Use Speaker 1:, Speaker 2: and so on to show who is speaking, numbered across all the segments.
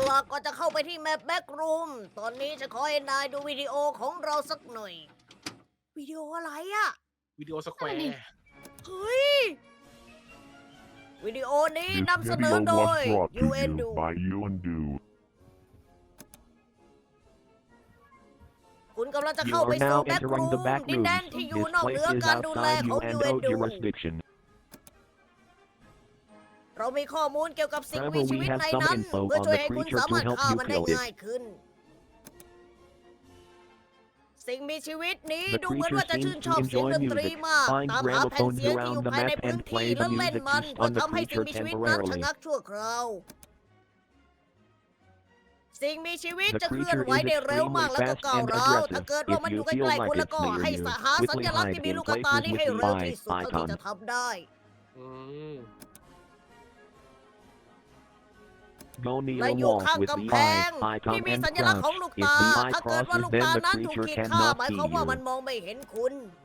Speaker 1: ล่ะก่อนจะเข้าไปที่แมปแบ็กรูมตอนนี้จะขอให้นายดูวิดีโอของเราสักหน่อย วิดีโออะไรอะ
Speaker 2: วิดีโอสแคว
Speaker 3: นั่น
Speaker 2: ร์
Speaker 3: ดิ
Speaker 1: เฮ้ย วิดีโอนี้
Speaker 4: This
Speaker 1: นำเสนอ
Speaker 4: video
Speaker 1: โด
Speaker 4: was
Speaker 1: ย
Speaker 4: brought to
Speaker 1: UNDU
Speaker 4: you by UNDU.
Speaker 1: คุณกำลังจะ
Speaker 5: You
Speaker 1: เข้า
Speaker 5: are
Speaker 1: ไปสู่
Speaker 5: now
Speaker 1: แบ็ก
Speaker 5: entering
Speaker 1: รู
Speaker 5: the
Speaker 1: ม
Speaker 5: back
Speaker 1: ดิน
Speaker 5: rooms.
Speaker 1: แดนที่อยู่
Speaker 5: This
Speaker 1: นอกเหนื
Speaker 5: place
Speaker 1: อ
Speaker 5: is
Speaker 1: การดูแล
Speaker 5: outside
Speaker 1: ของ
Speaker 5: UNO
Speaker 1: UNDU
Speaker 5: jurisdiction.
Speaker 1: เรามีข้อมูลเกี่ยวกับสิ่ง
Speaker 5: However,
Speaker 1: มีชี
Speaker 5: we
Speaker 1: วิต
Speaker 5: have
Speaker 1: ใน
Speaker 5: some
Speaker 1: นั้น
Speaker 5: info
Speaker 1: เพื่อ
Speaker 5: on
Speaker 1: ช่วย
Speaker 5: the
Speaker 1: ให้คุณ
Speaker 5: creature
Speaker 1: สามารถ
Speaker 5: to help
Speaker 1: ฆ่า
Speaker 5: you
Speaker 1: มันได้
Speaker 5: kill it.
Speaker 1: ง่ายขึ้น สิ่งมีชีวิตนี้
Speaker 5: The
Speaker 1: ดูเหมือนว่า
Speaker 5: creature
Speaker 1: จะชื่น
Speaker 5: seems
Speaker 1: ชอบ
Speaker 5: to
Speaker 1: เสียง
Speaker 5: enjoy
Speaker 1: ดนตรี
Speaker 5: music,
Speaker 1: มาก
Speaker 5: find
Speaker 1: ตามหาแผ่น
Speaker 5: gramophones
Speaker 1: เสียงที่อยู่
Speaker 5: around the
Speaker 1: ภายใน
Speaker 5: map
Speaker 1: พื้น
Speaker 5: and
Speaker 1: ที่
Speaker 5: play
Speaker 1: และ
Speaker 5: the
Speaker 1: เล่น
Speaker 5: music
Speaker 1: มัน
Speaker 5: used
Speaker 1: เพื่อ
Speaker 5: on the
Speaker 1: ทำให้สิ่ง
Speaker 5: creature
Speaker 1: มีชีวิตนั้นชะ
Speaker 5: temporarily.
Speaker 1: งักชั่วคราว สิ่งมีชีวิต
Speaker 5: The
Speaker 1: จะเคลื่อน
Speaker 5: creature
Speaker 1: ไหว
Speaker 5: is
Speaker 1: ได้เร็ว
Speaker 5: extremely
Speaker 1: มากแล้วก็
Speaker 5: fast
Speaker 1: ก้าว
Speaker 5: and
Speaker 1: ร้าว
Speaker 5: aggressive.
Speaker 1: ถ้าเกิดว่า
Speaker 5: If
Speaker 1: มันอยู่
Speaker 5: you
Speaker 1: ใกล้
Speaker 5: feel
Speaker 1: ๆคุณ
Speaker 5: like
Speaker 1: แล้ว
Speaker 5: it's
Speaker 1: ก็
Speaker 5: near
Speaker 1: ให้
Speaker 5: you,
Speaker 1: หาสั
Speaker 5: quickly
Speaker 1: ญลักษณ์
Speaker 5: hide
Speaker 1: ที่มี
Speaker 5: in
Speaker 1: ลูกตา
Speaker 5: places
Speaker 1: นี้
Speaker 5: with
Speaker 1: ให้
Speaker 5: the
Speaker 1: เร็วที่สุด
Speaker 5: eye
Speaker 1: เท่าที่
Speaker 5: icon.
Speaker 1: จะทำได้
Speaker 2: อืม
Speaker 5: Go near
Speaker 1: และ
Speaker 5: a
Speaker 1: อยู่
Speaker 5: wall
Speaker 1: ข้าง
Speaker 5: with the
Speaker 1: กำแพง
Speaker 5: eye
Speaker 1: ที่
Speaker 5: icon
Speaker 1: มี
Speaker 5: and
Speaker 1: สัญลักษณ์ของ
Speaker 5: crouch.
Speaker 1: ลูก
Speaker 5: If
Speaker 1: ตา
Speaker 5: the eye
Speaker 1: ถ้าเกิดว่า
Speaker 5: crosses,
Speaker 1: ลูก
Speaker 5: then
Speaker 1: ตา
Speaker 5: the
Speaker 1: นั้นถูก
Speaker 5: creature
Speaker 1: ขีดค่า
Speaker 5: cannot
Speaker 1: หมาย
Speaker 5: see
Speaker 1: ความว่ามัน
Speaker 5: you.
Speaker 1: มองไม่เห็นคุณ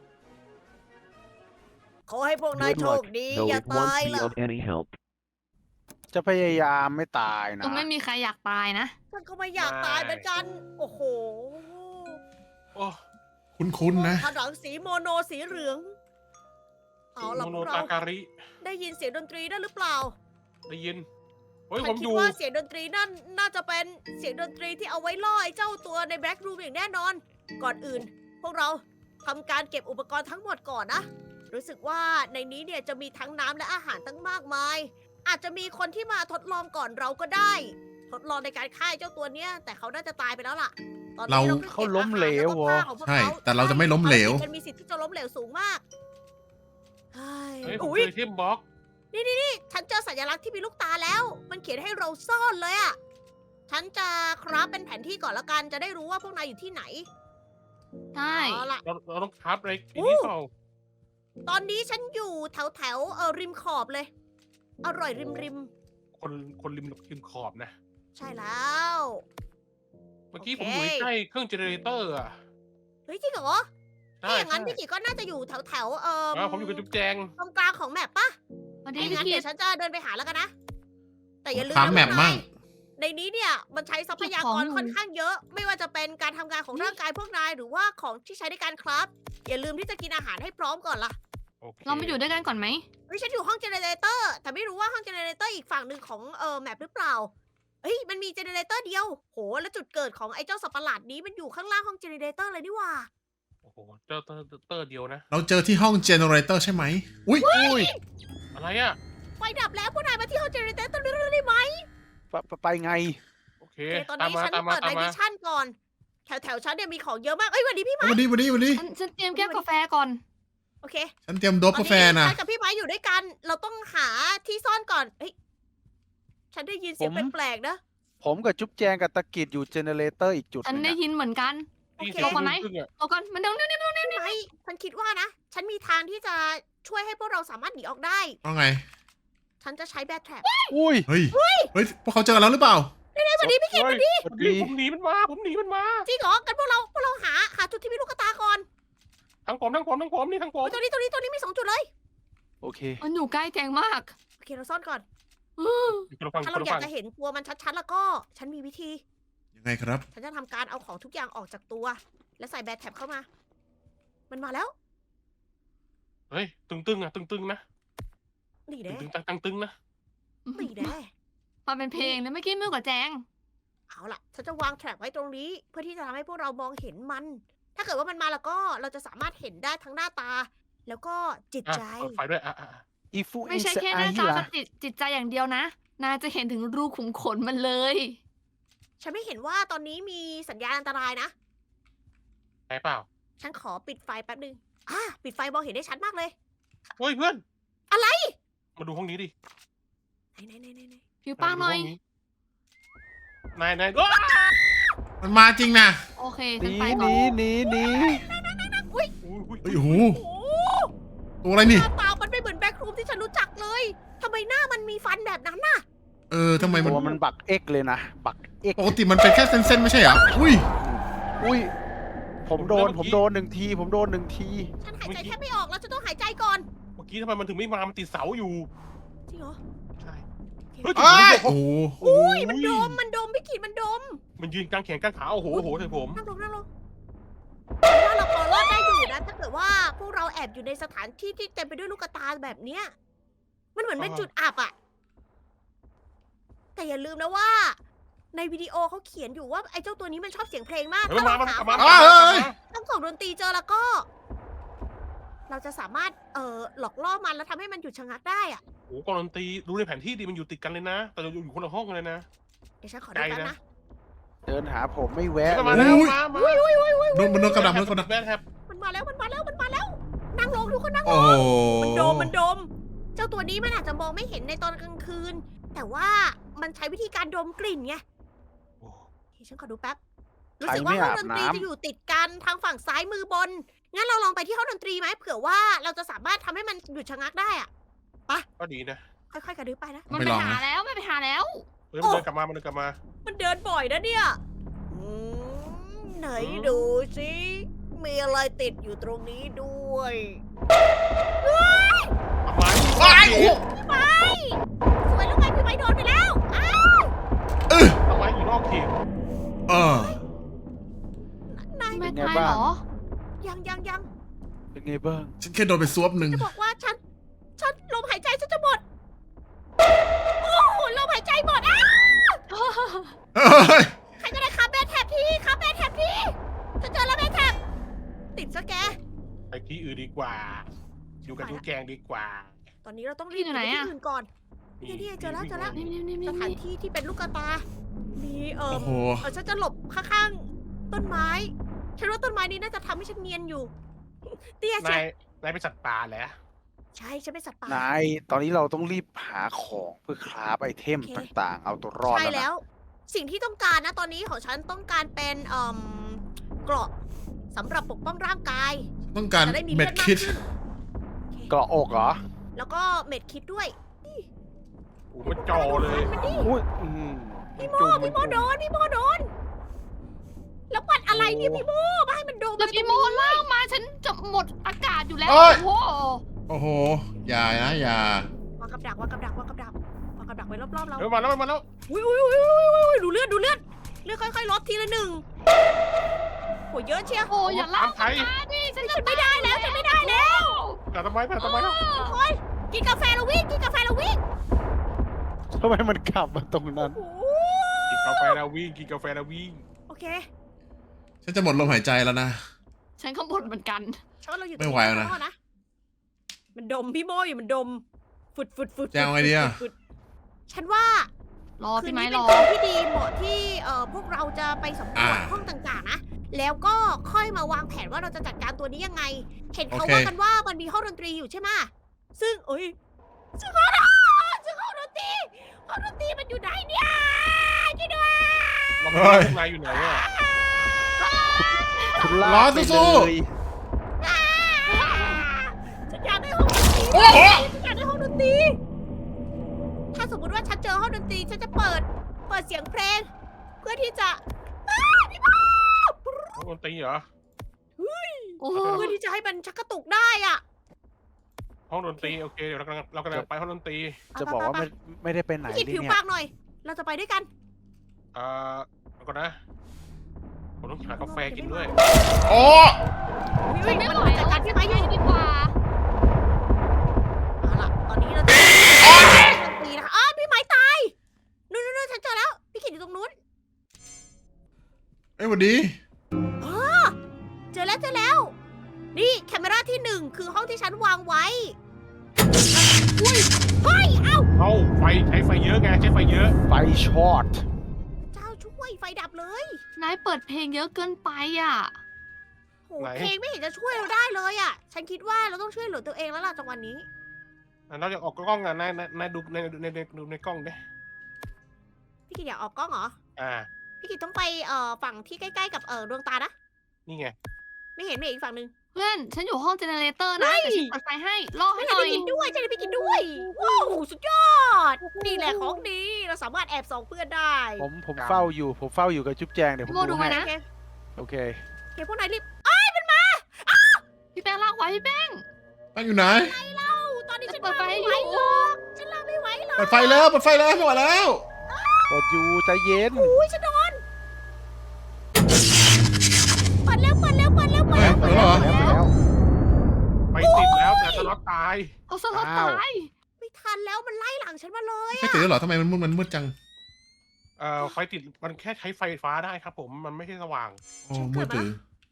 Speaker 1: ขอให้พวกนาย
Speaker 5: Good
Speaker 1: โชค
Speaker 5: luck,
Speaker 1: ดี
Speaker 5: though
Speaker 1: อย่า
Speaker 5: it
Speaker 1: ตาย
Speaker 5: won't be
Speaker 1: ล่ะ
Speaker 5: of any help.
Speaker 6: จะพยายามไม่ตายนะ
Speaker 3: ก็ไม่มีใครอยากตายนะ
Speaker 1: ฉันก็ไม่อยากตายเหมือนกัน โอ้โห
Speaker 2: โอ้
Speaker 7: คุ้นๆนะ
Speaker 1: ผนังสีโมโนสีเหลือง เอาล่ะ
Speaker 2: โม
Speaker 1: พ
Speaker 2: โน
Speaker 1: วกเรา
Speaker 2: ตาการิ
Speaker 1: ได้ยินเสียงดนตรีได้หรือเปล่า
Speaker 2: ได้ยินเฮ้ย
Speaker 1: ฉั
Speaker 2: ผ
Speaker 1: น
Speaker 2: ม
Speaker 1: คิ
Speaker 2: อ
Speaker 1: ด
Speaker 2: ยู่
Speaker 1: ว่าเสียงดนตรีนั่นน่าจะเป็นเสียงดนตรีที่เอาไว้ล่อไอ้เจ้าตัวในแบ็กรูมอย่างแน่นอน ก่อนอื่น พวกเราทำการเก็บอุปกรณ์ทั้งหมดก่อนนะ รู้สึกว่าในนี้เนี่ยจะมีทั้งน้ำและอาหารตั้งมากมาย อาจจะมีคนที่มาทดลองก่อนเราก็ได้ ทดลองในการฆ่าไอ้เจ้าตัวเนี้ย แต่เขาน่าจะตายไปแล้วล่ะ ตอนนี้
Speaker 7: เรา
Speaker 1: เราก็
Speaker 6: เขา
Speaker 1: เก็บ
Speaker 6: ล้มเหลว
Speaker 1: อาหารแก็ผ้าของพวก
Speaker 7: ใช่
Speaker 1: เขา
Speaker 7: แต่เราจะไม่ล้มเหลว
Speaker 1: ภารกิจมันมีสิทธิ์ที่จะล้มเหลวสูงมากเฮ้
Speaker 2: เฮ้ย
Speaker 1: ย
Speaker 2: ผม
Speaker 1: อุ๊ย
Speaker 2: เจอเทมบล็อก
Speaker 1: ฉันเจอสัญลักษณ์ที่มีลูกตาแล้ว มันเขียนให้เราซ่อนเลยอะฉันจะคราฟเป็นแผนที่ก่อนละกัน จะได้รู้ว่าพวกนายอยู่ที่ไหน
Speaker 3: ใช่
Speaker 1: เอาล่ะ
Speaker 2: เราต้องทับอะไรทีนี้เปล่า
Speaker 1: ตอนนี้ฉันอยู่แถวริมขอบเลย อร่อยริม
Speaker 2: คนริมขอบนะ
Speaker 1: ใช่แล้ว
Speaker 2: เมื่อกี้
Speaker 1: โอ
Speaker 2: ผม
Speaker 1: เค
Speaker 2: อยู่ใกล้เครื่องเจเนเรเตอร์อ่ะ
Speaker 1: เฮ้ยจริงเหรอ
Speaker 2: ใช่
Speaker 1: ถ้าอย่างนั้น
Speaker 2: ใช่
Speaker 1: พี่กิจก็น่าจะอยู่แถว
Speaker 2: ผมอยู่กับจุ๊บแจง
Speaker 1: ตรงกลางของแมปปะ
Speaker 3: พอดี
Speaker 1: ถ้าอย่างนั้น
Speaker 3: พี่
Speaker 1: เดี๋ยวฉันจะเดินไปหาแล้วกันนะ แต่อย่าลืม
Speaker 7: ถาม
Speaker 1: นะ
Speaker 7: แมป
Speaker 1: พวกนาย
Speaker 7: มั่ง
Speaker 1: ในนี้เนี่ยมันใช้ทรัพยากรค่อนข้างเยอะ ไม่ว่าจะเป็นการทำงานของร่างกายพวกนายหรือว่าของที่ใช้ในการคราฟอย่าลืมที่จะกินอาหารให้พร้อมก่อนล่ะ
Speaker 2: โอเค
Speaker 3: เรามาอยู่ด้วยกันก่อนไหม
Speaker 1: เฮ้ยฉันอยู่ห้องเจเนเรเตอร์แต่ไม่รู้ว่าห้องเจเนเรเตอร์อีกฝั่งหนึ่งของแมปหรือเปล่าเฮ้ยมันมีเจเนเรเตอร์เดียวโหแล้วจุดเกิดของไอ้เจ้าสัตว์ประหลาดนี้มันอยู่ข้างล่างห้องเจเนเรเตอร์เลยนี่หว่า
Speaker 2: โอ้โหเจอเตอร์เดียวนะ
Speaker 7: เราเจอที่ห้องเจเนเรเตอร์ใช่ไหมอุ้ย
Speaker 6: อุ้ย
Speaker 2: อะไรอ่ะ
Speaker 1: ไฟดับแล้วพวกนายมาที่ห้องเจเนเรเตอร์เร็วๆได้ไหม
Speaker 6: ไปไง
Speaker 2: โอเค
Speaker 1: โอเคตอน
Speaker 2: ตาม
Speaker 1: นี้
Speaker 2: มา
Speaker 1: ฉัน
Speaker 2: ตามมา
Speaker 1: เปิด
Speaker 2: ตา
Speaker 1: ใน
Speaker 2: มมา
Speaker 1: มิชชั่นก่อน แถวฉันเนี่ยมีของเยอะมากเอ้ยวันนี้พี่ไม้
Speaker 7: วันนี้
Speaker 3: ฉันเตรียมแก้วกาแฟก่อน
Speaker 1: โอเค
Speaker 7: ฉันเตรียมโดบกาแฟ
Speaker 1: ตอน
Speaker 7: นะ
Speaker 1: ฉันกับพี่ไม้อยู่ด้วยกัน เราต้องหาที่ซ่อนก่อนเฮ้ยฉันได้ยินเสียง
Speaker 6: ผม
Speaker 1: แปลกๆนะ
Speaker 6: ผมกับจุ๊บแจงกับตะกิดอยู่เจเนเรเตอร์อีกจุดห
Speaker 3: ฉัน
Speaker 6: นึง
Speaker 3: ได้
Speaker 6: อะ
Speaker 3: ยินเหมือนกัน
Speaker 1: โอเค
Speaker 2: ตี
Speaker 3: ลงมาไหม
Speaker 2: ครึ่งอะ
Speaker 3: เอาก่อนมันเดี๋ยวนี่
Speaker 1: พี่ไม้ฉันคิดว่านะ ฉันมีทางที่จะช่วยให้พวกเราสามารถหนีออกได้
Speaker 7: ว่าไง
Speaker 1: ฉันจะใช้แบทแทร็บ
Speaker 6: อุ้ย
Speaker 7: เฮ้ยพวกเขาเจอกันแล้วหรือเปล่า
Speaker 1: สวัสดีพี่เคน
Speaker 2: เฮ้ย
Speaker 6: สวัส
Speaker 2: เฮ้ย
Speaker 6: ดี
Speaker 2: ผมหนีมันมาผมหนีมันมา
Speaker 1: จริงเหรอกันพวกเราหาจุดที่มีลูกกระตาก่อน
Speaker 2: ทั้งผมนี่ทั้งผม
Speaker 1: โอ้ยตัวนี้มี2 จุดเลย
Speaker 6: โอเค
Speaker 3: มันอยู่ใกล้แจงมาก
Speaker 1: โอเคเราซ่อนก่อน
Speaker 2: คนละฝั่ง
Speaker 1: ถ้า
Speaker 2: ค
Speaker 1: เรา
Speaker 2: นละ
Speaker 1: อยาก
Speaker 2: ฝั่ง
Speaker 1: จะเห็นตัวมันชัดๆแล้วก็ ฉันมีวิธี
Speaker 7: ยังไงครับ
Speaker 1: ฉันจะทำการเอาของทุกอย่างออกจากตัว และใส่แบทแท็บเข้ามา มันมาแล้ว
Speaker 2: เฮ้ยตึงๆอ่ะตึงๆนะ
Speaker 1: นี่แน่
Speaker 2: ตึงๆนะ
Speaker 1: นี่แน่
Speaker 3: มาเป็นเพลงเลยเมื่อกี้มือกับแจง
Speaker 1: เอาล่ะ ฉันจะวางแทร็บไว้ตรงนี้ เพื่อที่จะทำให้พวกเรามองเห็นมัน ถ้าเกิดว่ามันมาแล้วก็เราจะสามารถเห็นได้ทั้งหน้าตา แล้วก็จิต
Speaker 2: อ่ะ
Speaker 1: ใจ
Speaker 2: เปิดไฟด้วย
Speaker 6: อีฟู
Speaker 3: ไม่ใช่แค่หน้าตากับจิตใจอย่างเดียวนะ นายจะเห็นถึงรูขุมขนมันเลย
Speaker 1: ฉันไม่เห็นว่าตอนนี้มีสัญญาณอันตรายนะ
Speaker 2: ใช่เปล่า
Speaker 1: ฉันขอปิดไฟแป๊บนึงปิดไฟมองเห็นได้ชัดมากเลย
Speaker 2: เฮ้ยเพื่อน
Speaker 1: อะไร
Speaker 2: มาดูห้องนี้ดิ
Speaker 1: ไหน
Speaker 3: ผิวป้างหน่อย
Speaker 2: นายว้า
Speaker 7: มันมาจริงนะ
Speaker 3: โอเค
Speaker 6: ห
Speaker 3: ฉัน
Speaker 6: นี
Speaker 3: ไป
Speaker 6: ห
Speaker 3: ก่อน
Speaker 6: นีหนี
Speaker 2: อุ้ย
Speaker 7: เฮ้ยโอ้โห
Speaker 1: โอ้
Speaker 7: ตัวอะไร
Speaker 1: ห
Speaker 7: นี่
Speaker 1: น้าตามันไม่เหมือนแบ็ครูมที่ฉันรู้จักเลยทำไมหน้ามันมีฟันแบบนั้นน่ะ
Speaker 7: ทำไมมัน
Speaker 6: ตัวมันบักเอ็กเลยนะบักเอ็ก
Speaker 7: ปกติมันเป็นแค่เส้นๆไม่ใช่เหรออุ้ย
Speaker 6: อุ้ยผมโดนหนึ่งทีผมโดน1 ที
Speaker 1: ฉันหายใจแทบไม่ออกแล้วจะต้องหายใจก่อน
Speaker 2: เมื่อกี้ทำไมมันถึงไม่มามันติดเสาอยู่
Speaker 1: จริงเหรอ
Speaker 2: ใช่
Speaker 1: โอเค
Speaker 2: เฮ้ย
Speaker 7: อ้ายโอ้โห
Speaker 1: อุ้ยมันโดมพี่กิกินมันดม
Speaker 2: มันยืนกลางแขนกลางขาโอ้โหโอ้โหใส่ผม
Speaker 1: นั่งลงฉันว่าเราพอรอดได้อยู่นะ ถ้าเกิดว่าพวกเราแอบอยู่ในสถานที่ที่เต็มไปด้วยลูกตาแบบเนี้ย มันเหมือนเป็นจุดอับอะแต่อย่าลืมนะว่า ในวิดีโอเขาเขียนอยู่ว่าไอ้เจ้าตัวนี้มันชอบเสียงเพลงมาก
Speaker 2: เฮ้ย
Speaker 1: ถ้า
Speaker 2: มา
Speaker 1: เรา
Speaker 2: มา
Speaker 1: หา
Speaker 2: มา
Speaker 7: อ้าวเฮ้ย
Speaker 1: ต้องส่งดนตรีเจอแล้วก็ เราจะสามารถหลอกล่อมันแล้วทำให้มันหยุดชะงักได้อะ
Speaker 2: โอ้โหกองดนตรีดูในแผนที่ดีมันอยู่ติดกันเลยนะ แต่เราอยู่คนละห้องเลยนะ
Speaker 1: เดี๋ยวฉันขอดูแป๊บ
Speaker 2: ไกล
Speaker 1: นะ
Speaker 2: นะ
Speaker 6: เดินหาผมไม่แวะ
Speaker 2: มา
Speaker 6: เล
Speaker 2: แล้ว
Speaker 6: ย
Speaker 2: มามา
Speaker 7: โดนมันโดนกระดับมันกระดับ
Speaker 2: แบนแท็บ
Speaker 1: มันมาแล้ว นั่งลงทุกคนนั่งล
Speaker 7: โอ้
Speaker 1: ง
Speaker 7: โห
Speaker 1: มันดม เจ้าตัวนี้มันอาจจะมองไม่เห็นในตอนกลางคืน แต่ว่ามันใช้วิธีการดมกลิ่นไง
Speaker 2: โอ้
Speaker 1: เฮ้ยฉันขอดูแป๊บ รู้
Speaker 6: ใคร
Speaker 1: สึกว่า
Speaker 6: ไม่
Speaker 1: ห้อง
Speaker 6: อาบ
Speaker 1: ดนตรี
Speaker 6: น้ำ
Speaker 1: จะอยู่ติดกันทางฝั่งซ้ายมือบน งั้นเราลองไปที่ห้องดนตรีไหมเผื่อว่าเราจะสามารถทำให้มันหยุดชะงักได้อะ
Speaker 2: ก็ดีนะ
Speaker 1: ค่อยๆกระดึ๊บไปนะ
Speaker 3: มัน
Speaker 7: ไม่
Speaker 3: ไป
Speaker 7: ลอง
Speaker 3: หา
Speaker 7: นะ
Speaker 3: แล้วไม่ไปหาแล้ว
Speaker 2: เฮ้ยมันเดินกลับมามันเดินกลับมา
Speaker 1: มันเดินบ่อยนะเนี่ยไหนดูสิมีอะไรติดอยู่ตรงนี้ด้วย
Speaker 2: ทำไม
Speaker 7: ว้ายโอ้โห
Speaker 1: พี่ไม้สวยแล้วไงพี่ไม้โดนไปแล้ว อ้าว
Speaker 2: ทำไมอยู่นอกเขต
Speaker 7: เออ
Speaker 1: นาย
Speaker 3: ไม่
Speaker 6: เป็นไง
Speaker 3: ตาย
Speaker 6: บ้าง
Speaker 3: เหรอ
Speaker 1: ยัง
Speaker 6: เป็นไงบ้าง
Speaker 7: ฉันแค่โดนไปซวบหนึ่ง
Speaker 1: จะบอกว่าฉันลมหายใจฉันจะหมด โอ้โหลมหายใจหมดอ่ะ
Speaker 7: เฮ้ย
Speaker 1: ใครก็ได้คาเบนแท็บทีคาเบนแท็บทีฉันเจอแล้วเบนแท็บติดซะแก
Speaker 2: ไปที่อื่นดีกว่า อยู่กับทุกแกงดีกว่า
Speaker 1: ตอนนี้เราต้องรีบ
Speaker 3: พี่อยู่ไหน
Speaker 1: ไปที่
Speaker 3: อะ
Speaker 1: อื่นก่อน นี่เจอแล้ว
Speaker 3: นี่นี่นี่
Speaker 1: ส
Speaker 3: นี่
Speaker 1: ถานที่ที่เป็นลูกตา มี
Speaker 7: โอ้โห
Speaker 1: ฉันจะหลบข้างๆต้นไม้ ฉันว่าต้นไม้นี้น่าจะทำให้ฉันเนียนอยู่ เตี้ย
Speaker 2: นา
Speaker 1: ใช่
Speaker 2: ยนายเป็นสัตว์ป่าแหละ
Speaker 1: ใช่ฉันเป็นสัตว์ป่า
Speaker 6: นาย ตอนนี้เราต้องรีบหาของเพื่อคราฟไอเทม
Speaker 1: โอเค
Speaker 6: ต่างๆ เอาตัวรอด
Speaker 1: ใช่
Speaker 6: แล้ว
Speaker 1: แล้
Speaker 6: นะ
Speaker 1: ว สิ่งที่ต้องการนะตอนนี้ของฉันต้องการเป็นเกราะสำหรับปกป้องร่างกาย
Speaker 7: ต้องการ
Speaker 1: จะได้มี
Speaker 7: เม็
Speaker 1: เลื
Speaker 7: ด
Speaker 1: อดมาก
Speaker 7: คิด
Speaker 1: ขึ้น
Speaker 6: เกราะอกเหรอ
Speaker 1: แล้วก็เม็ดคิดด้วย
Speaker 2: โอ้มันจอเลย
Speaker 1: มันดิ
Speaker 6: อุ้ย
Speaker 1: พี่โมโดนแล้วปัดอะไรเนี่ยพี่โมมาให้มันโดน
Speaker 3: แล้วพี่โมล่างมาฉันจะหมดอากาศอยู่แล้ว
Speaker 7: เอ้ย
Speaker 3: โอ้โห
Speaker 7: โอ้โห อย่านะอย่า
Speaker 1: วางกับดักไว้รอบๆเรา
Speaker 2: เฮ้ยมาแล้วมาแล้ว
Speaker 1: อุ้ยดูเลือดค่อยๆลดทีละหนึ่งโหเยอะเชียว
Speaker 3: โอ้อย่าล่าก
Speaker 2: ไทย
Speaker 3: มาดิฉันจะ
Speaker 1: ไม่ได้แล้วฉันไม่ได้แล้ว
Speaker 2: แต่ทำไมแล้ว
Speaker 1: โอ้ยกินกาแฟแล้ววิ่ง
Speaker 6: ทำไมมันขับมาตรงนั้น
Speaker 1: โอ้โห
Speaker 2: กินกาแฟแล้ววิ่งกินกาแฟแล้ววิ่ง
Speaker 1: โอเค
Speaker 7: ฉันจะหมดลมหายใจแล้วนะ
Speaker 3: ฉันก็บ่นเหมือนกัน
Speaker 1: ฉันว่าเราอยู่
Speaker 7: ไม่ไหวแล้วนะ
Speaker 1: ตรงมันดมพี่โมอยู่มันดมฝุด
Speaker 7: จะเอาไงดีอะ
Speaker 1: ฝุดฉันว่าร
Speaker 3: อ
Speaker 1: คื
Speaker 3: พี่
Speaker 1: น
Speaker 3: ไม้
Speaker 1: นี้
Speaker 3: ร
Speaker 1: เป็น
Speaker 3: อ
Speaker 1: คืนที่ดีเหมาะที่พวกเราจะไปสำรวจห้องต่างๆนะแล้วก็ค่อยมาวางแผนว่าเราจะจัดการตัวนี้ยังไง เห็นเขาว่ากันว่ามันมีห้องดนตรีอยู่ใช่ไหมซึ่งซึ่งห้องดนตรีมันอยู่ไหนเนี่ยช่วยด้วย
Speaker 2: เราไม่รู้พวกนายอยู่ไหนอ่ะ
Speaker 6: คุณลาก
Speaker 7: รอ
Speaker 6: ไป
Speaker 7: สู้
Speaker 6: เลย
Speaker 1: ฉันอยากได้ห้องดนตรี
Speaker 7: โอ้โห
Speaker 1: ฉันอยากได้ห้องดนตรีถ้าสมมติว่าฉันเจอห้องดนตรีฉันจะเปิดเสียงเพลง เพื่อที่จะพี่บอ
Speaker 2: ห้องดนตรีเหรอ
Speaker 3: โอ้โห
Speaker 1: เพื่อที่จะให้มันชักกระตุกได้อ่ะ
Speaker 2: ห้องดนตรีโอเคเดี๋ยวเรากำลังไปห้องดนตรี
Speaker 6: จะบอกว่าไม่ได้ไปไหน
Speaker 1: พี่กิน
Speaker 6: เลย
Speaker 1: ผิว
Speaker 6: เนี่ย
Speaker 1: ปากหน่อย เราจะไปด้วยกัน
Speaker 2: แล้วก็นะผมต้องหากาแฟกินด้วย
Speaker 7: โอ้
Speaker 3: ฉันไม่ไหว
Speaker 1: จั
Speaker 3: แล้
Speaker 1: ด
Speaker 3: ว
Speaker 1: การพี่ไม้อยู่
Speaker 3: ดีกว่า
Speaker 1: เอาล่ะตอนนี้เราจะห้องดนตรีนะคะพี่ไม้ตายนู่นฉันเจอแล้ว พี่กินอยู่ตรงนู้น
Speaker 7: เอ้ยหวัดดี
Speaker 1: เจอแล้ว นี่แคมเมราที่ 1 คือห้องที่ฉันวางไว้ อุ้ยเฮ้ย เอ้า
Speaker 2: เอาไฟใช้ไฟเยอะไงใช้ไฟเยอะ
Speaker 6: ไฟช็อต
Speaker 1: เจ้าช่วยไฟดับเลย
Speaker 3: นายเปิดเพลงเยอะเกินไปอ่ะ
Speaker 1: โหเพลงไม่เห็นจะช่วยเราได้เลยอ่ะ ฉันคิดว่าเราต้องช่วยเหลือตัวเองแล้วล่ะจังหวะนี้
Speaker 2: เราจะออกกล้องอ่ะนายดูในกล้องดิ
Speaker 1: พี่กินอยากออกกล้องเหรอ พี่กินต้องไปฝั่งที่ใกล้ๆกับดวงตานะ
Speaker 2: นี่ไง
Speaker 1: ไม่เห็นอีกฝั่งหนึ่ง
Speaker 3: เพื่อน ฉันอยู่ห้องเจเนเรเตอร์นะ
Speaker 1: เฮ้ย
Speaker 3: เดี๋ยวฉันเปิดไฟให้ รอให้
Speaker 1: ไม่
Speaker 3: ห
Speaker 1: ได้
Speaker 3: น่อย
Speaker 1: พี่กินด้วยใช่ไหมพี่กินด้วย ว้าว สุดยอด นี่แหละของดี เราสามารถแอบส่องเพื่อนได้
Speaker 6: ผมเฝ้าอยู่กับจุ๊บแจงเดี๋ยวผม
Speaker 3: โมดู
Speaker 6: ดู
Speaker 3: ไว้
Speaker 6: ให้
Speaker 3: นะ
Speaker 6: โอเค
Speaker 1: เดี๋ยวพวกนายรีบ
Speaker 3: พี่แป้งลากไว้พี่แป้ง
Speaker 7: ตั้งอยู่ไหน
Speaker 1: ตอนนี้ฉัน
Speaker 3: เปิดไฟ
Speaker 1: ไม่
Speaker 3: ให้
Speaker 1: ไหว
Speaker 3: อยู่
Speaker 1: หรอกฉันลาไม่ไหวหรอก
Speaker 7: เปิดไฟแล้วไม่ไหวแล้ว
Speaker 6: ผมกดอยู่ใจเย็น
Speaker 1: อุ้ยฉันโดนเปิดเร็วเปิดเร็วเปิดเร็วเปิด
Speaker 7: เฮ้ย
Speaker 1: เร็ว
Speaker 7: เปิดแล้วเหรอ
Speaker 6: แล้ว
Speaker 2: ไปติดแล้วแต่สล็อตตาย
Speaker 3: เอาสล็อต
Speaker 6: อ้าว
Speaker 3: ตาย
Speaker 1: ไม่ทันแล้วมันไล่หลังฉันมาเลย
Speaker 7: ไม่ตื่นแล้วเหรอทำไมมันมืดจัง
Speaker 2: ไฟติดมันแค่ใช้ไฟฟ้าได้ครับผมมันไม่ใช่สว่าง
Speaker 7: โอ้มืดตื่น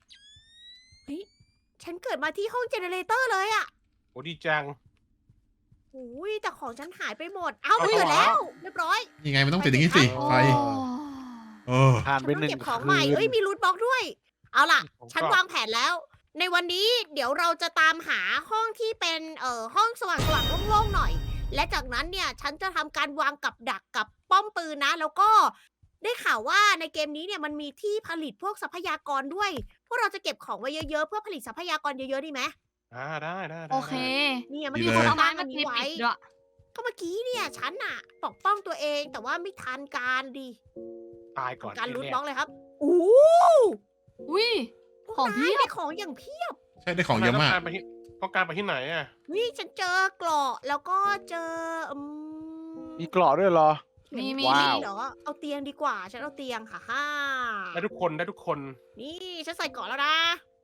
Speaker 1: ฉันเกิดมาที่ห้องเจเนเรเตอร์เลยอะ
Speaker 2: โอ้ดีจัง
Speaker 1: อุ้ยแต่ของฉันหายไปหมด เอา
Speaker 2: เอา
Speaker 1: ตื่น
Speaker 2: เหรอ
Speaker 1: แล้วเรียบร้อย
Speaker 7: ยังไงมันต้องติดอย่างนี้สิ
Speaker 3: โอ้
Speaker 7: ไฟโอ้
Speaker 6: ผ่าน
Speaker 1: ฉัน
Speaker 6: ไป
Speaker 1: ต้อง
Speaker 6: หนึ่ง
Speaker 1: เก็บของ
Speaker 6: คื
Speaker 1: ใหม่
Speaker 6: น
Speaker 1: เอ้ยมีรูทบล็อกด้วย เอาล่ะ
Speaker 2: ผมก็
Speaker 1: ฉันวางแผนแล้ว ในวันนี้เดี๋ยวเราจะตามหาห้องที่เป็นห้องสว่างๆโล่งๆหน่อย และจากนั้นเนี่ยฉันจะทำการวางกับดักกับป้อมปืนนะ แล้วก็ได้ข่าวว่าในเกมนี้เนี่ยมันมีที่ผลิตพวกทรัพยากรด้วย พวกเราจะเก็บของไว้เยอะๆเพื่อผลิตทรัพยากรเยอะๆดีไหม
Speaker 2: ได้
Speaker 3: โอเค
Speaker 1: เนี่ยมัน
Speaker 3: มี
Speaker 1: มี
Speaker 3: คน
Speaker 1: คน
Speaker 3: เอาไม้
Speaker 1: ตั้ง
Speaker 3: มา
Speaker 1: อัน
Speaker 3: ติ
Speaker 1: นี้
Speaker 3: ด
Speaker 1: ไว้
Speaker 3: ปิดด้วย
Speaker 1: ก็เมื่อกี้เนี่ยฉันอะปกป้องตัวเองแต่ว่าไม่ทันการดี
Speaker 2: ตายก่อน
Speaker 1: การรูท
Speaker 2: แน่
Speaker 1: บล็อกเลยครับอู้
Speaker 3: อุ้ย
Speaker 1: พวก
Speaker 3: ของเพี
Speaker 1: นาย
Speaker 3: ยบ
Speaker 1: ได้ของอย่างเพียบ
Speaker 7: ใช่ได้ของเยอะมาก
Speaker 2: ต้องการไปที่ไหนอ่ะ
Speaker 1: นี่ฉันเจอเกราะแล้วก็เจอ
Speaker 6: มีเกราะด้วยเหรอ
Speaker 3: มี
Speaker 1: มี
Speaker 6: ว้าว
Speaker 1: เหรอเอาเตียงดีกว่า ฉันเอาเตียงค่ะฮ่า
Speaker 2: ได้ทุกคน
Speaker 1: นี่ฉันใส่เกราะแล้วนะ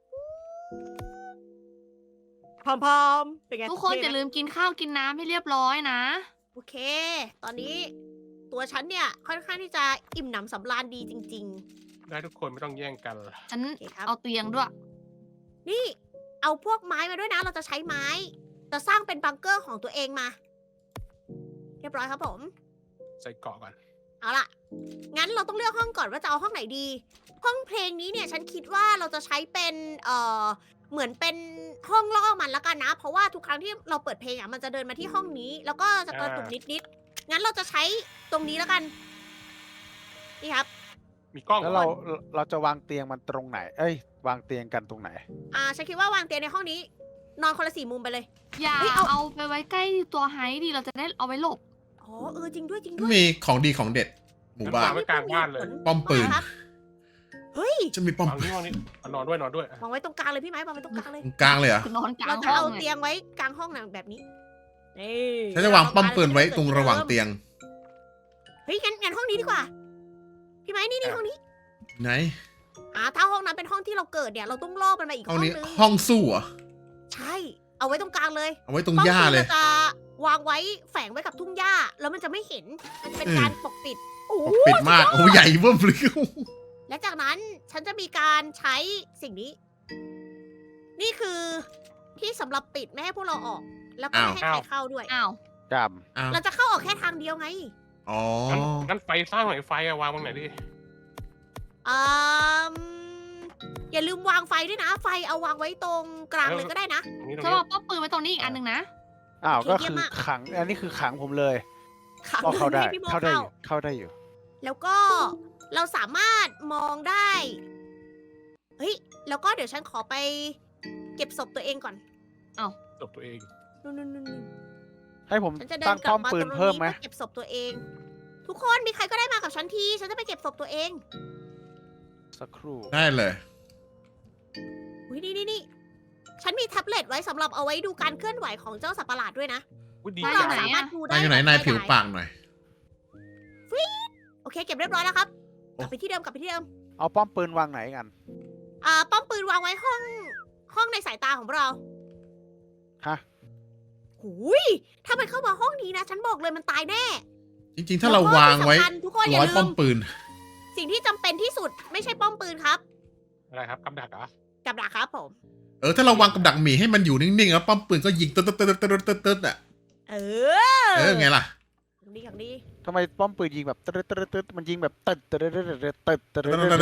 Speaker 1: พร้อมๆเป็นไง
Speaker 3: ทุกคน
Speaker 1: เท่
Speaker 3: อย่า
Speaker 1: ไหม
Speaker 3: ลืมกินข้าวกินน้ำให้เรียบร้อยนะ
Speaker 1: โอเค ตอนนี้ตัวฉันเนี่ยค่อนข้างที่จะอิ่มหนำสำราญดีจริง
Speaker 2: ได้ทุกคนไม่ต้องแย่งกัน
Speaker 3: ฉัน
Speaker 1: โอเคครับ
Speaker 3: เอาเตียงด้วย
Speaker 1: ๆ นี่ เอาพวกไม้มาด้วยนะ เราจะใช้ไม้ จะสร้างเป็นบังเกอร์ของตัวเองมา เรียบร้อยครับผม
Speaker 2: ใส่เกาะก่อน
Speaker 1: เอาล่ะ งั้นเราต้องเลือกห้องก่อนว่าจะเอาห้องไหนดี ห้องเพลงนี้เนี่ยฉันคิดว่าเราจะใช้เป็นเหมือนเป็นห้องล่อมันแล้วกันนะ เพราะว่าทุกครั้งที่เราเปิดเพลงอ่ะมันจะเดินมาที่ห้องนี้ แล้วก็จะกระตุกนิดๆ งั้นเราจะใช้ตรงนี้แล้วกัน นี่ครับ
Speaker 2: มีกล้อง
Speaker 6: แล้วเราจะวางเตียงมันตรงไหน เอ้ยวางเตียงกันตรงไหน
Speaker 1: ฉันคิดว่าวางเตียงในห้องนี้ นอนคนละ4 มุมไปเลย
Speaker 3: อย่า
Speaker 1: เฮ้ยเอา
Speaker 3: เอาไปไว้ใกล้ตัวไฮดีเราจะได้เอาไว้หลบ
Speaker 1: อ๋อจริงด้วยจริงด้วย
Speaker 7: มีของดีของเด็ด หมู่บ้าน
Speaker 2: ไว้กลางบ้านเลย
Speaker 7: ป้อมปืน
Speaker 1: ครับ เฮ้ย
Speaker 7: จะมีป้อม
Speaker 2: วางนี่นอนด้วย
Speaker 1: วางไว้ตรงกลางเลยพี่ไม้วางไว้ตรงกลางเลย
Speaker 7: ตรงกลางเลยเหรอ
Speaker 3: คือนอนกลา
Speaker 1: เรา
Speaker 3: ง
Speaker 1: จะ
Speaker 3: ห้อ
Speaker 1: เอา
Speaker 3: ง
Speaker 1: เตียงไว้กลางห้องนะแบบนี้ นี่
Speaker 7: ฉันจะวางป้อมปืนไว้ตรงระหว่างเตียง
Speaker 1: เฮ้ยงั้นห้องนี้ดีกว่า พี่ไม้นี่ห้องนี้
Speaker 7: ไหน
Speaker 1: ถ้าห้องนั้นเป็นห้องที่เราเกิดเนี่ย เราต้องล่อมันมาอีก
Speaker 7: ห้
Speaker 1: ห้
Speaker 7: อ
Speaker 1: อง ง
Speaker 7: นี้
Speaker 1: นึง
Speaker 7: ห้องสู้เหรอ
Speaker 1: ใช่ เอาไว้ตรงกลางเลย
Speaker 7: เอาไว้ตรงหญ้าเลย
Speaker 1: ป้อมปืนรจะวางไว้แฝงไว้กับทุ่งหญ้า แล้วมันจะไม่เห็น มันจะเป็นการปกปิดโอ้
Speaker 7: ปกปิดมาก โอ้ใหญ่เบิ่มเลย
Speaker 1: และจากนั้นฉันจะมีการใช้สิ่งนี้ นี่คือที่สำหรับปิดไม่ให้พวกเราออก แล้วก็ไม่ให้ใครเข้าด้วย
Speaker 3: อ้าว
Speaker 6: กรรม
Speaker 7: อ้าว
Speaker 1: เราจะเข้าออกแค่ทางเดียวไง
Speaker 7: อ๋อ
Speaker 2: งั้นไฟสร้างไหนไฟวางตรงไหนดิ
Speaker 1: อืมอย่าลืมวางไฟด้วยนะ ไฟเอาวางไว้ตรงกลางเลยก็ได้นะ
Speaker 2: ตรงนี้
Speaker 3: จะวางป้อมปืนไว้ตรงนี้อีกอันหนึ่งนะ
Speaker 6: อ้าว
Speaker 1: โอเค
Speaker 6: ก็
Speaker 1: เยี่
Speaker 6: คื
Speaker 1: ยม
Speaker 6: อ
Speaker 1: มาก
Speaker 6: ขัง อันนี้คือขังผมเลย
Speaker 1: ขัง
Speaker 6: ก็เข้าได้
Speaker 1: ให้พี่โม
Speaker 6: เข้าได้อยู่เข้าได้อยู่
Speaker 1: แล้วก็เราสามารถมองได้ เฮ้ย แล้วก็เดี๋ยวฉันขอไปเก็บศพตัวเองก่อน
Speaker 2: จบตัวเอง
Speaker 1: นู่น
Speaker 6: ให้ผม
Speaker 1: ฉันจะเดิ
Speaker 6: ตั้
Speaker 1: น
Speaker 6: ง
Speaker 1: กลั
Speaker 6: ป้อบ ม
Speaker 1: มา
Speaker 6: ปื
Speaker 1: ตร
Speaker 6: น
Speaker 1: งนี้
Speaker 6: เพิ่มไหม
Speaker 1: เพื่อเก็บศพตัวเอง ทุกคนมีใครก็ได้มากับฉันที ฉันจะไปเก็บศพตัวเอง
Speaker 6: สักครู่
Speaker 7: ได้เลย
Speaker 1: อุ้ยนี่ ฉันมีแท็บเล็ตไว้สำหรับเอาไว้ดูการเคลื่อนไหวของเจ้าสัตว์ประหลาดด้วยนะ
Speaker 2: ดี
Speaker 1: พวก
Speaker 3: ได้
Speaker 1: เรา
Speaker 3: ไหน
Speaker 1: สามารถดูได้
Speaker 7: นายอยู่ไหนนายผิวปากหน่อย
Speaker 1: โอเค เก็บเรียบร้อยแล้วครับ กลับไปที่เดิม
Speaker 6: เอาป้อมปืนวางไหนกัน
Speaker 1: ป้อมปืนวางไว้ห้องในสายตาของเรา
Speaker 6: ฮะ
Speaker 1: หูยถ้ามันเข้ามาห้องนี้นะ ฉันบอกเลยมันตายแน่
Speaker 7: จริงๆ ถ้าเราวางไว้
Speaker 1: แล้ก็ที่สำคัญทุกคนอย่า
Speaker 7: ร้อย
Speaker 1: ลื
Speaker 7: ป้อ
Speaker 1: ม
Speaker 7: มปืน
Speaker 1: สิ่งที่จำเป็นที่สุดไม่ใช่ป้อมปืนครับ
Speaker 2: อะไรครับกับดักเหรอ
Speaker 1: กับดักครับผม
Speaker 7: ถ้าเราวางกับดักหมีให้มันอยู่นิ่งๆ แล้วป้อมปืนก็ยิงตึ๊ดๆๆๆๆๆอ่ะ
Speaker 1: เอ
Speaker 7: ไงล่ะ
Speaker 1: อย่างนี้
Speaker 6: ทำไมป้อมปืนยิงแบบตึ๊ดตึ๊ดตึ๊ดมันยิงแบบตึ๊ดตึ๊ดตึ๊ดตึ๊ดตึ๊ดตึ๊ดตึ๊ด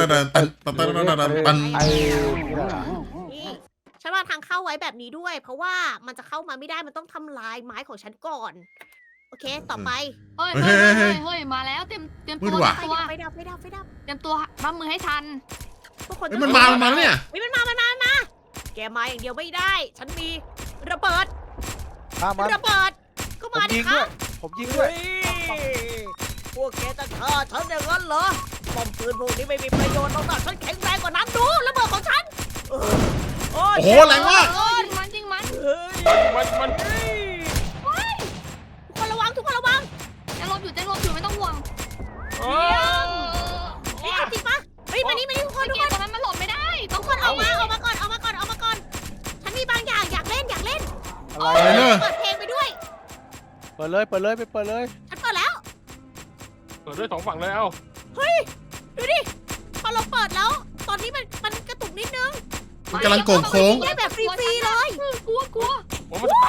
Speaker 6: ไอ้นี่แหละ
Speaker 1: นี่ฉันวางทางเข้าไว้แบบนี้ด้วย เพราะว่ามันจะเข้ามาไม่ได้มันต้องทำลายไม้ของฉันก่อน โอเค ต่อไป
Speaker 3: เฮ้ย
Speaker 7: เฮ้
Speaker 3: เฮ้
Speaker 7: ย
Speaker 3: ยเฮ้ยมาแล้วเตรียม
Speaker 7: มื
Speaker 3: ตั
Speaker 7: ด
Speaker 3: ว
Speaker 7: ว่ะ
Speaker 1: ไฟ
Speaker 3: ตัว
Speaker 1: ดับ เตรียมตัว
Speaker 3: รับมือให้ทัน
Speaker 1: ทุกคน
Speaker 7: เฮ้ยมันมาแล้วเนี่ย
Speaker 1: เฮ้ยมันมาแกมาอย่างเดียวไม่ได้ ฉันมีระเบิด
Speaker 6: มามา
Speaker 1: ระเบิด ก็
Speaker 6: ผม
Speaker 1: มาดิ
Speaker 6: ยิง
Speaker 1: ค
Speaker 6: ด้
Speaker 1: รั
Speaker 6: วย
Speaker 1: บ
Speaker 6: ผมยิงด้วย
Speaker 1: พวกแกจะฆ่าฉันอย่างนั้นเหรอป้อมปืนพวกนี้ไม่มีประโยชน์หรอกนะฉันแข็งแรงกว่านั้นดูระเบิดของฉันโอ้
Speaker 7: โอ้โหแรงมาก
Speaker 3: เอ้ยจริงมัน
Speaker 1: เฮ้ย
Speaker 2: มัน
Speaker 1: ทุกคนระวัง
Speaker 3: จะลบอยู่ไม่ต้องห่วง
Speaker 2: เอ
Speaker 1: นี่เอาจริงปะเฮ้ยมานี่ทุกคน
Speaker 3: เมื่อกี้ตรงนั้นมันหลบไม่ได้ต้อง
Speaker 1: ทุกคนออกมาก่อนฉันมีบางอย่างอยากเล่น
Speaker 6: อะไร
Speaker 7: อะไรเนอะ
Speaker 1: เปิดเพลงไปด้วย
Speaker 6: เปิดเลยไปเปิดเลย
Speaker 1: ฉันเปิดแล้ว
Speaker 2: เปิดด้วย2 ฝั่งเลยเอ้า
Speaker 1: เฮ้ยดูดิพอเราเปิดแล้ว ตอนนี้มันกระตุกนิดนึง
Speaker 7: มันกำลังโก่งโค้ง
Speaker 1: ได้แบบฟรีๆเลย
Speaker 3: กลัว
Speaker 2: โอ้มันจะตัน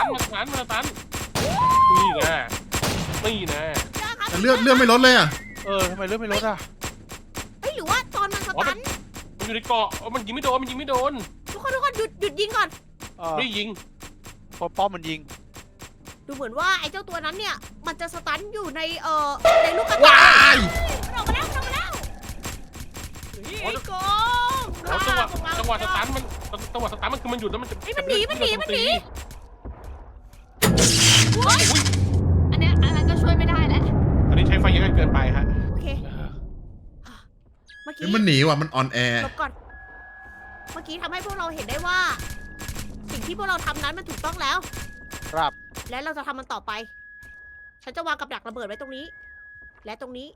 Speaker 2: นี่นะ
Speaker 7: แต่เลือดไม่ลดเลยอ่ะ
Speaker 6: ทำไมเรื่องไม่ลดอ่ะ
Speaker 1: เฮ้ยหรือว่าตอนมันสตัน
Speaker 2: มันอยู่ในเกาะมันยิงไม่โดน
Speaker 1: ทุกคนหยุดยิงก่อน
Speaker 2: ไม่ยิง
Speaker 6: พอป้อมมันยิง
Speaker 1: ดูเหมือนว่าไอ้เจ้าตัวนั้นเนี่ย มันจะสตันอยู่ในในลูกกระตา
Speaker 7: ว้าย
Speaker 1: มันออกมาแล้วไอ้กอง
Speaker 2: จังหวะสตันมันคือมันหยุดแล้วมันจะ
Speaker 1: มันหนี
Speaker 3: ๆอันนั้นก็ช่วยไม่ได้แล้ว
Speaker 2: ตอนนี้ใช้ไฟเยอะเกินไปฮะ
Speaker 1: โอเคเมื่อ
Speaker 7: เฮ้
Speaker 1: กี้
Speaker 7: ยมันหนีว่ะมันออนแอร์
Speaker 1: หลบก่อนเมื่อกี้ทำให้พวกเราเห็นได้ว่า สิ่งที่พวกเราทำนั้นมันถูกต้องแล้ว
Speaker 6: ครับ
Speaker 1: และเราจะทำมันต่อไป ฉันจะวางกับดักระเบิดไว้ตรงนี้ และตรงนี้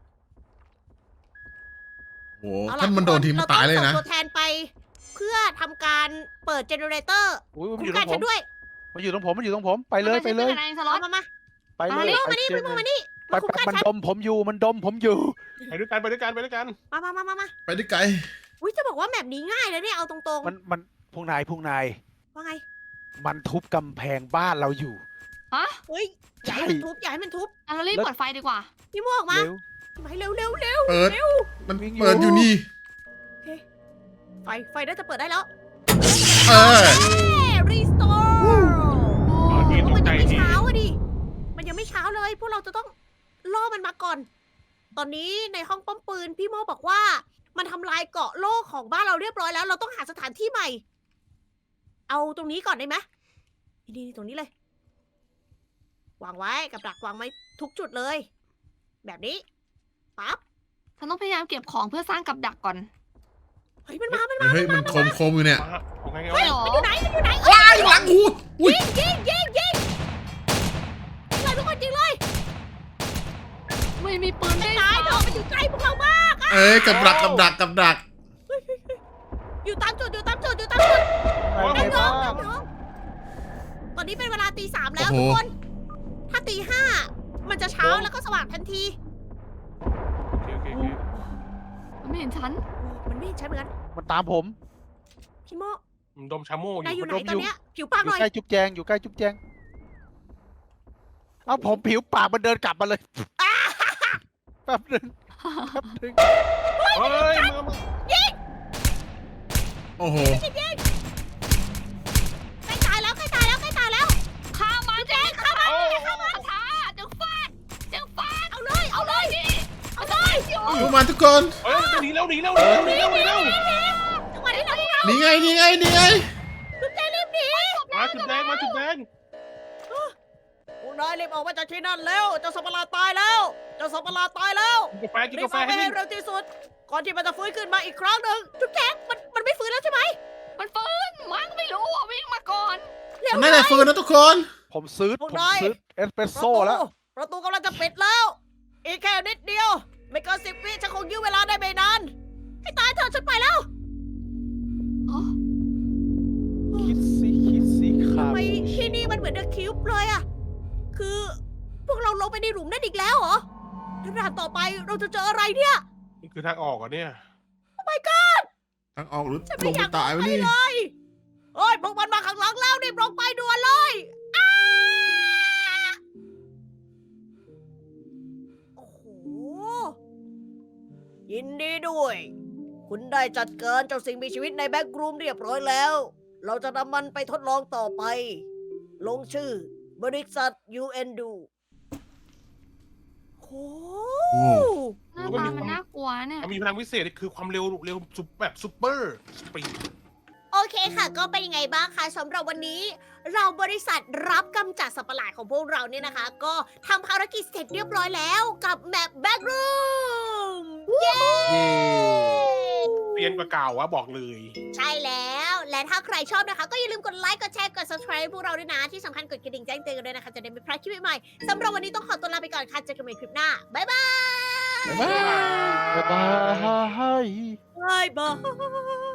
Speaker 7: โอ้
Speaker 1: เอาล่ะ
Speaker 7: ถ้ามันโดนทีมนตายเลยนะ
Speaker 1: รต้องส่งตัวแทนไป เพื่อทำการเปิดเจเนเรเตอร์
Speaker 6: อุ้ยมัน
Speaker 1: คุ้
Speaker 6: อ
Speaker 1: ม
Speaker 6: ยู่ต
Speaker 1: กั
Speaker 6: ร
Speaker 1: น
Speaker 6: งผ
Speaker 1: ฉั
Speaker 6: ม
Speaker 1: นด้วย
Speaker 6: มันอยู่ตรงผมไปเลย
Speaker 3: มันเป็นอะไรสล็อต
Speaker 1: มา
Speaker 6: ไปเลย
Speaker 1: มานี่
Speaker 6: ไป
Speaker 1: มานี่มาคุ้มกัน
Speaker 6: มัน
Speaker 1: ฉัน
Speaker 6: ดมผมอยู่
Speaker 2: ไปด้วยกัน
Speaker 1: มา
Speaker 7: ไปได้ไกล
Speaker 1: อุ้ยจะบอกว่าแมปนี้ง่ายเลยเนี่ย เอาตรง
Speaker 6: มันพวกนาย
Speaker 1: ๆ ว่าไง
Speaker 6: มันทุบกำแพงบ้านเราอยู่
Speaker 1: เฮ้ย อย่าให้มันทุบ อย่าให้มันทุบ
Speaker 3: เรารีบเปิดไฟดีกว่า
Speaker 1: พี่โมออกมา
Speaker 6: เร็ว
Speaker 1: ไปเร็ว
Speaker 7: เปิด มัน
Speaker 6: วิ่งอยู่
Speaker 7: เปิดอยู่นี่
Speaker 1: ไฟน่าจะเปิดได้แล้ว
Speaker 7: เออ
Speaker 1: รีสโตร์
Speaker 2: นี่ต
Speaker 1: มัน
Speaker 2: กใจ
Speaker 1: ยังไม่
Speaker 2: ที
Speaker 1: เช้าอะดิ มันยังไม่เช้าเลย พวกเราจะต้องล่อมันมาก่อน ตอนนี้ในห้องป้อมปืนพี่โมบอกว่า มันทำลายเกาะโล่ของบ้านเราเรียบร้อยแล้ว เราต้องหาสถานที่ใหม่ เอาตรงนี้ก่อนได้ไหมนี่ตรงนี้เลย วางไว้กับดักวางไว้ทุกจุดเลย แบบนี้ ปั๊บ
Speaker 3: ฉันต้องพยายามเก็บของเพื่อสร้างกับดักก่อน
Speaker 1: เฮ้ยมันมา
Speaker 7: เฮ้ยมันโคมอยู่เนี่ย
Speaker 2: เอาไง
Speaker 1: เฮ้ย
Speaker 3: หรอ
Speaker 1: มันอยู่ไหน
Speaker 7: ว้ายหลังหูอุ้ย
Speaker 1: ยิงเลยทุกคนยิงเลย
Speaker 3: ไม่มีปืนได้
Speaker 1: ตายเถอะมันอยู่ใกล้พวกเรามาก
Speaker 7: เอ้ยกับดัก
Speaker 1: อยู่ตามจุด
Speaker 6: ไป
Speaker 1: ไอ้
Speaker 6: ไหน
Speaker 1: น้อ
Speaker 6: บ้าง ง
Speaker 1: ตอนนี้เป็นเวลาตี 3แล้ว
Speaker 7: โอ้
Speaker 1: ทุ
Speaker 7: โห
Speaker 1: กคน ถ้าตี 5มันจะเช้าแล้วก็สว่างทันที
Speaker 2: โอเค
Speaker 3: มันไม่เห็นฉัน
Speaker 1: มันไม่เห็นใช่เหมือนกัน
Speaker 6: มันตามผม
Speaker 1: พี่โม
Speaker 2: มันดมชาโม่อน
Speaker 1: ายอยู่
Speaker 2: ยู่
Speaker 1: ไหนตอนเนี้ยผิวปาก
Speaker 6: อ
Speaker 1: หน่
Speaker 6: ยู่
Speaker 1: อย
Speaker 6: ใกล้จุ๊บแจงเอาผมผิวปากมันเดินกลับมาเลยแป๊บนึง
Speaker 2: เฮ้ย
Speaker 7: โอ้โห
Speaker 1: ใกล้ตายแล้ว
Speaker 3: ฆ่ามันเจ๊ฆ่ามันช้าจังฟาด
Speaker 1: เอาเลยดิ
Speaker 7: ดูมาทุกคน
Speaker 2: เฮ้ยหนีแล้ว
Speaker 1: จังหวะที่เรา
Speaker 7: นี่ไง
Speaker 1: จุดใจรีบหนี
Speaker 2: มาจุดแดง
Speaker 1: พวกนายรีบออกมาจากที่นั่นแล้วเจ้าสัตว์ประหลาดตายแล้ว
Speaker 2: กินกาแฟ
Speaker 1: รีบเอาไปให้เร็วที่สุด ก่อนที่มันจะฟื้นขึ้นมาอีกครั้งหนึ่งจุ๊บแจ๊กมันไม่ฟื้นแล้วใช่ไหม
Speaker 3: มันฟื้นมั้งไม่รู้อ่ะวิ่งมาก่อน
Speaker 1: เร็ว
Speaker 7: มันน่าจะฟื้นนะทุกคน
Speaker 6: ผมซื้อเอสเปรสโซ่แล้ว
Speaker 1: ประตูกำลังจะปิดแล้ว อีกแค่นิดเดียว ไม่เกิน10 วิฉันคงยื้อเวลาได้ไม่นานให้ตายเถอะฉันไปแล้ว
Speaker 6: คิดสิครับ
Speaker 1: ทำไมที่นี่มันเหมือนเดอะคิวบ์เลยอะคือพวกเราลงไปในหลุมนั่นอีกแล้วเหรอแล้วด่านต่อไปเราจะเจออะไรเนี่ย
Speaker 2: นี่คือทางออกเหรอเนี่ย
Speaker 7: ทางออกหรือ
Speaker 1: ฉัน
Speaker 7: ล
Speaker 1: ไม่
Speaker 7: ง
Speaker 1: อ
Speaker 7: ไป
Speaker 1: ยาก
Speaker 7: ตาย
Speaker 1: ล
Speaker 7: วะ
Speaker 1: งไป
Speaker 7: นี่
Speaker 1: เลยเฮ้ยพวกมันมาข้างหลังแล้วรีบลงไปด่วนเลยอ้าโอ้โห ยินดีด้วย คุณได้จัดการเจ้าสิ่งมีชีวิตในแบ็กรูมเรียบร้อยแล้ว เราจะนำมันไปทดลองต่อไป ลงชื่อบริษัท UN ดูโอ้
Speaker 7: โอ้
Speaker 3: หน้าตามันน่ากลัวเนี่ย
Speaker 2: มันมีพลังวิเศษคือความเร็วแบบซุปเปอร์สปีด
Speaker 1: โอเคค่ะ ก็เป็นยังไงบ้างคะสำหรับวันนี้ เราบริษัทรับกำจัดสัตว์ประหลาดของพวกเราเนี่ยนะคะ ก็ทำภารกิจเสร็จเรียบร้อยแล้วกับแมปแบ็กรูมเย้
Speaker 2: เรียนกว่าเก่าวะบอกเลย
Speaker 1: ใช่แล้ว และถ้าใครชอบนะคะ ก็อย่าลืมกดไลค์ กดแชร์ กด subscribe พวกเราด้วยนะ ที่สำคัญกดกระดิ่งแจ้งเตือนกันด้วยนะคะ จะได้ไม่พลาดคลิปใหม่ๆสำหรับวันนี้ต้องขอตัวลาไปก่อนค่ะ เจอกันใหม่คลิปหน้า บ๊ายบาย
Speaker 7: บ๊ายบาย
Speaker 6: บ๊ายบาย
Speaker 1: บายบาย